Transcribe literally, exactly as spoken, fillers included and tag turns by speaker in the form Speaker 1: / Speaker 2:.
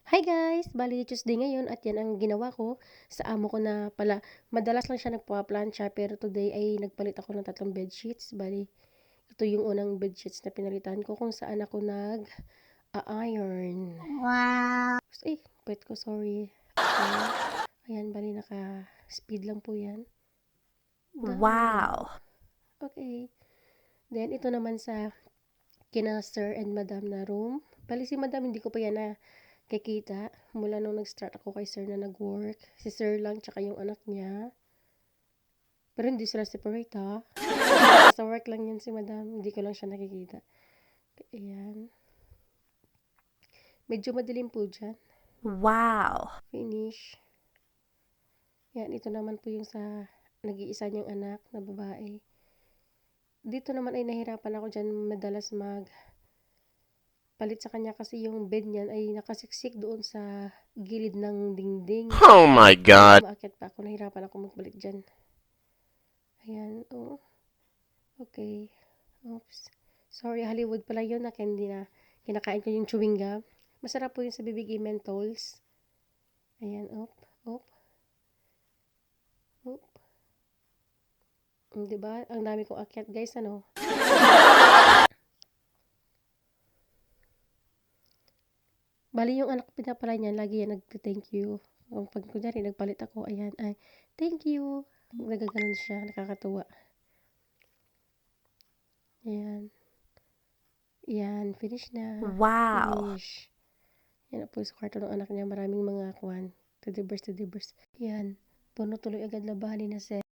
Speaker 1: Hi guys! Bali Tuesday ngayon at yan ang ginawa ko sa amo ko na pala. Madalas lang siya nagpa-plancha pero today ay nagpalit ako ng tatlong bedsheets. Bali, ito yung unang bedsheets na pinalitan ko kung saan ako nag-a-iron.
Speaker 2: Wow!
Speaker 1: Eh, pwet ko, sorry. Okay. Ayan, bali naka-speed lang po yan. Done.
Speaker 2: Wow!
Speaker 1: Okay. Then, ito naman sa kina Sir and Madam na room. Bali si Madam, hindi ko pa yan na kikita mula nung nag-start ako kay Sir na nag-work. Si Sir lang tsaka yung anak niya. Pero hindi sila separate ha. Sa work lang yun si Madam. Hindi ko lang siya nakikita. Ayan. Medyo madilim po dyan.
Speaker 2: Wow!
Speaker 1: Finish. Yan, ito naman po yung sa nag-iisa niyang anak na babae. Dito naman ay nahirapan ako dyan madalas mag palit sa kanya kasi yung bed niyan ay nakasiksik doon sa gilid ng dingding.
Speaker 3: Oh my God!
Speaker 1: Umaakit pa ako, nahirapan ako magbalik dyan. Ayan, oh. Okay. Oops. Sorry, Hollywood pala yun na candy na kinakain ko yung chewing gum. Masarap po yun sa bibig, menthols. Ayan, op, op. Op. Diba? Ang dami kong akyat, guys, ano? Bali yung anak ko pinapala niya, lagi yan nag-thank you. Pag kunyari, nagpalit ako, ayan, ay, thank you. Nagaganon siya, nakakatuwa. Ayan. Ayan, finish na.
Speaker 2: Wow!
Speaker 1: Finish. Yan po sa kwarto ng anak niya, maraming mga kwan. Teddy bears, teddy bears. Yan, puno tuloy agad na bali na set.